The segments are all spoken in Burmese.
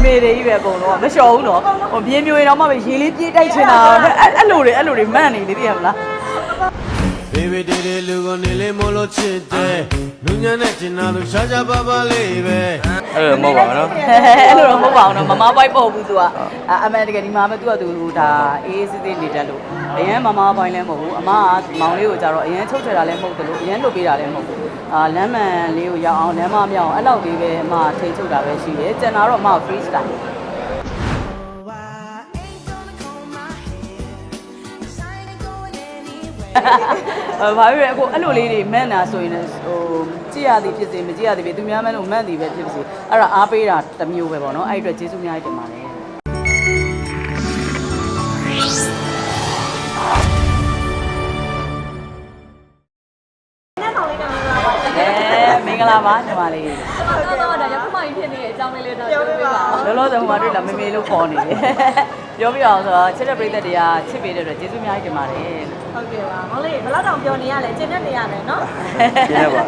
မေတွေကြီးပဲအကုန်လုံးမလျှော်ဘူးနော်ဟိုပြင်းမျိုးရင်တော့မှပဲရေလေးပြေးတိုက်ချင်တာအဲ့လိုတွေမှန်နေလေသိရမလားဘေဘေတေတေလူကိုနေလေးမလို့ချစ်တယ်လူညာနဲ့ကျင်နာလို့ရှားရှားပါပါလေးပဲအဲ့လိုမဟုတ်ပါဘူးနော်အဲ့လိုတော့မဟုတ်ပါဘူးနော်မမပိုက်ပေါ့ဘူးသူကအမှန်တကယ်ဒီမှာပဲသူကသူဒါအေးစစ်စစ်နေတတ်လို့အရင်မမပိုင်လည်းမဟုတ်ဘူးအမကမောင်လေးကိုကြတော့အရင်ချုပ်ချယ်တာလည်းမဟုတ်တယ်လို့အရင်လုပ်ပေးတာလည်းမဟုတ်ဘူးလမ်းမှန်လေးကိုရောက်အောင်လမ်းမမြောက်အောင်အဲ့လောက်လေးပဲအမထိချုပ်တာပဲရှိတယ်ကျန်တာတော့အမ free styleဘာဖြစ်လဲအခုအဲ့လိုလေးတွေမှန်တာဆိုရင်ဟိုကြည့်ရသည်ဖြစ်စေမကြည့်ရသည်ဖြစ်သူများမှန်းလို့မှန်သည်ပဲဖြစ်စေအဲ့ဒါအားပေးတာတစ်မျိုးပဲပေါ့နော်အဲ့အတွက်ကျေးဇူးများတင်ပါတယ်မင်္ဂလာပါညီမလေးတော့ဒါရောက်မှဖြစ်နေတဲ့အကြောင်းလေးလေးတော့ပြောပြပါလောလောဆယ်ဟိုမှာတွေ့လာမေမေလို့ခေါ်နေတယ်ပြောပြအောင်ဆိုတော့ချစ်တဲ့ပရိသတ်တွေကချစ်ပေးတဲ့အတွက်ကျေးဇူးများတင်ပါတယ်ဟုတ်ကဲ့ပါမောင်လေးဘယ်လောက်တောင်ပြောနေရလဲကျင်းနေရမယ်နော်ကျင်းနေပါ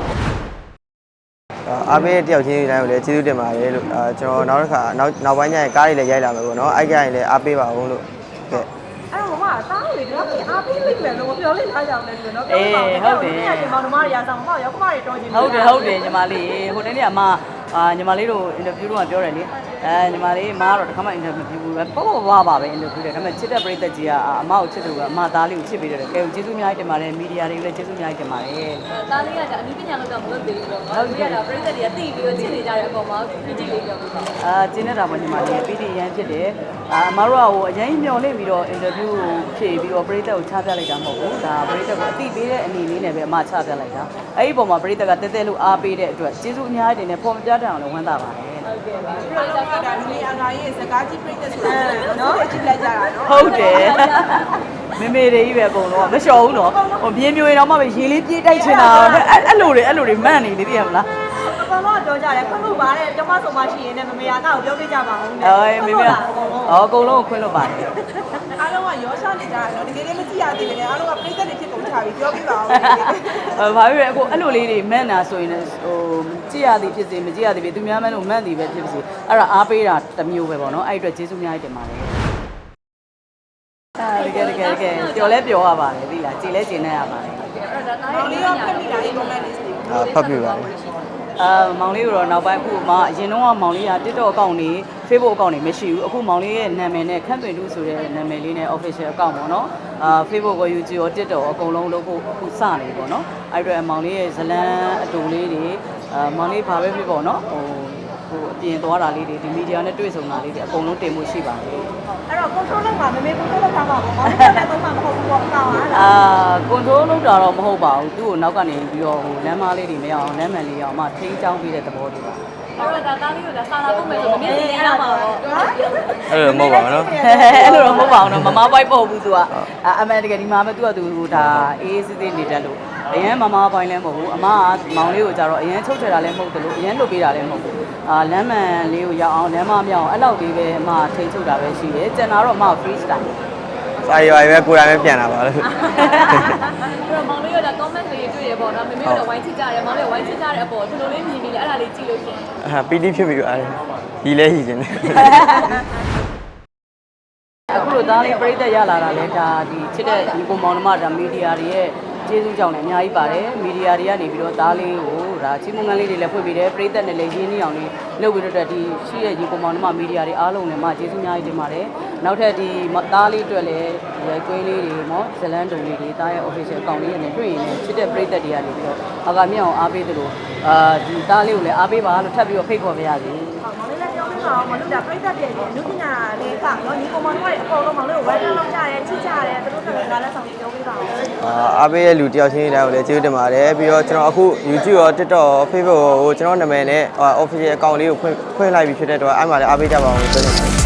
အားပေးတယောက်ချင်းတိုင်းကိုလည်းကျေးဇူးတင်ပါတယ်လို့ကျွန်တော်နောက်တစ်ခါနောက်ပိုင်းကျရင်ကားတွေလည်းရိုက်လာမယ်ပေါ့နော်အဲ့ကြရင်လည်းအားပေးပါအောင်လို့ကဲအဲ့တော့မမသားတွေတော့အားပေးလိမ့်မယ်လို့ပြောလိုက်ထားကြအောင်လေဆိုတော့ပြောပါဟုတ်တယ်မောင်နှမတွေရာဆောင်မရောက်ခမတွေတော်ချင်ဟုတ်တယ်ညီမလေးဟိုတနေ့ကညီမလေးတို့အင်တာဗျူးတော့ပြောတယ်လေညီမလေးမားတော့တခါမှအင်တာဗျူးဘူးပဲပေါ့ပါပဲအင်တာဗျူးတယ်ဒါပေမဲ့ချစ်တဲ့ပရိသတ်ကြီးကအမကိုချစ်တယ်လို့ကအမသားလေးကိုချစ်ပေးတယ်ကဲကျေးဇူးများတင်ပါတယ်မီဒီယာတွေကိုလည်းကျေးဇူးများတင်ပါတယ်သားလေးကဒါအနည်းပညာလောက်တော့မလုပ်သေးဘူးပေါ့နော်ဒီကတော့ပရိသတ်တွေကသိပြီးတော့ချစ်နေကြတဲ့အပေါ်မှာကြည့်လေးပြောပြပါကျင်းနေတာပေါ့ညီမလေးပီတီရန်ဖြစ်တယ်အမတို့ကဟိုအရင်မျော်လင့်ပြီးတော့အင်တာဗျူးကိုဖြည့်ပြီးတော့ပရိသတ်ကိုချပြလိုက်တာမဟုတ်ဘူးဒါပရိသတ်ကိုအတိပေးတဲ့အနေလေးနဲ့ပဲအမချပြလိုက်တာအဲ့ဒီပုံမှာပရိသတ်ကတဲတဲလို့အားပေးတဲ့အတွက်ကျေးဇူးအများကြီးတင်နေပေါ်မပြတတ်အောင်လည်းဝမ်းသာပါတယ်ဟုတ်ကဲ့ပါအဲ့တော့ဒါလူအငါရဲ့စကားကြီးပြိတ္တဆိုတာနော်ကြည့်လိုက်ကြတာနော်ဟုတ်တယ်မေမေတွေကြီးပဲအကုန်လုံးမလျှော်ဘူးနော်ဟိုပြင်းမျိုးရင်တော့မှပဲရေလေးပြေးတိုက်ချင်တာအဲ့လိုတွေမှန်နေလေသိရမလားအကောင်တော့ပြောကြတယ်ခွင့်လို့ပါတဲ့ကျောမဆုံမရှိရင်လည်းမမေယာကကိုပြောပြကြပါဦးနဲ့မေမေအကုန်လုံးကိုခွင့်လို့ပါတယ်အားလုံးကရောရှာနေကြတယ်နော်တကယ်လည်းမကြည့်ရသေးဘူးလေအားလုံးကပြိတ္တတွေဖြစ်ကုန်ချပြီပြောပြပါဦးဘာဖြစ်လဲအခုအဲ့လိုလေးတွေမှန်တာဆိုရင်ဟိုကြည့်ရသည်ဖြစ်စေမကြည့်ရသည်ဖြစ်သူများမှန်းလို့မှန်သည်ပဲဖြစ်စေအဲ့ဒါအားပေးတာတစ်မျိုးပဲပေါ့နော်အဲ့အတွက်ကျေးဇူးများတင်ပါတယ်တကယ်ပျော်လဲပျော်ရပါတယ်သိလားကြည်လဲကျင်နေရပါတယ်အဲ့တော့ဒါလေးရောဖတ်မိတာလေး comment လေးစီဖတ်ပြပါမယ်မောင်လေးကတော့နောက်ပိုင်းအခုမှအရင်တော့မောင်လေးက TikTok အကောင့်တွေ Facebook အကောင့်တွေမရှိဘူးအခုမောင်လေးရဲ့နာမည်နဲ့ခန့်ပင်တူဆိုတဲ့နာမည်လေးနဲ့ official အကောင့်ပေါ့နော်Facebook ကို YouTube ရော TikTok ရောအကုန်လုံးလုပ်ဖို့အခုစနေပေါ့နော်အဲ့အတွက်မောင်လေးရဲ့ဇလန်းအတူလေးတွေမောင်လေးဘာပဲဖြစ်ပေါ့နော်ဟိုအပြင်သွားတာလေးတွေဒီမီဒီယာနဲ့တွေ့ဆုံတာလေးတွေအကုန်လုံးတင်မှုရှိပါတယ်အဲ့တော့ control လုပ်ပါမေ control လုပ်တာပါပေါ့မောင်လေးကလည်းတော့မဟုတ်ဘူးပေါ့အကောင်အား control လုပ်တာတော့မဟုတ်ပါဘူးသူ့ကိုနောက်ကနေပြီးတော့ဟိုလမ်းမလေးတွေမရအောင်လမ်းမှန်လေးအောင်မှထိန်းချောင်းပေးတဲ့သဘောလေးပါအဲ့တော့ဒါသားလေးကဒါစာလာပုံမဲ့ဆိုမမြင်နေရမှာပေါ့အဲ့လိုမဟုတ်ပါဘူးနော်အဲ့လိုတော့မဟုတ်ပါဘူးနော်မမပိုက်ပေါ့ဘူးသူကအမှန်တကယ်ဒီမှာပဲသူကသူဒါအေးစစ်စစ်နေတတ်လို့အရင်မမပိုင်လည်းမဟုတ်ဘူးအမကမောင်လေးကိုကြတော့အရင်ချုပ်ချယ်တာလည်းမဟုတ်တယ်လို့အရင်လုပ်ပေးတာလည်းမဟုတ်ဘူးလမ်းမှန်လေးကိုရောက်အောင်လမ်းမမြောက်အောင်အဲ့လောက်လေးပဲအမထိန်းချုပ်တာပဲရှိတယ်ကျန်တာတော့အမ free style စာရွက်ပဲကိုယ်တိုင်ပဲပြန်လာပါလို့အဲ့တော့မောင်လေးကဒါ comment တွေတွေ့ရပေါ့နော်မေမေတို့ဝိုင်းချစ်ကြတယ်မောင်လေးဝိုင်းချစ်ကြတဲ့အပေါ်သူတို့လေးမြင်ပြီးလေအဲ့ဒါလေးကြည့်လို့ရှင်ပီတိဖြစ်ပြီးပါတယ်ဒီလဲဟီခြင်းအခုလိုသားလေးပြိသက်ရလာတာလဲဒါဒီချစ်တဲ့ဒီပုံမောင်နှမဒါမီဒီယာတွေရဲ့ကျေးဇူးကြောင့်လည်းအများကြီးပါတယ်မီဒီယာတွေကနေပြီးတော့သားလေးကိုဒါချီးမွမ်းငန်းလေးတွေလည်းဖွင့်ပေးတယ်ပြိသက်နဲ့လည်းရင်းနှီးအောင်လေးလုပ်ပြီးတော့ဒီရှိတဲ့ဒီပုံမောင်နှမမီဒီယာတွေအားလုံးလည်းမကျေးဇူးအများကြီးတင်ပါတယ်နောက်ထပ်ဒီသားလေးအတွက်လည်းရိုက်ကွင်းလေးတွေနော်ဇလန်းတုံလေးတွေသားရဲ့ official account လေးနဲ့တွေ့ရင်လည်းချစ်တဲ့ပြိသက်တွေကနေပြီးတော့အကမြောက်အောင်အားပေးသလိုဒီသားလေးကိုလည်းအားပေးပါလို့ထပ်ပြီးတော့ဖိတ်ခေါ်ပါရစေမောင်လေးလည်းပြောပြပါဦးမလို့ဒါပြိတ္တပြည့်နေလူပညာလေးကနော်ဒီပုံမှန်တွေအကုန်လုံးမောင်လေးကိုဝယ်ထားလောက်ကြတယ်ချစ်ကြတယ်သူတို့ကလည်းငါလက်ဆောင်ပြောပေးပါဦးအားပေးရဲ့လူတယောက်ချင်းတိုင်းကိုလည်းကျေးဇူးတင်ပါတယ်ပြီးတော့ကျွန်တော်အခု YouTube ရော TikTok ရော Facebook ရောကျွန်တော်နာမည်နဲ့ official account လေးကိုဖွင့်လိုက်ပြီးဖြစ်တဲ့တော့အဲ့မှာလည်းအားပေးကြပါအောင်လို့ပြောချင်ပါတယ်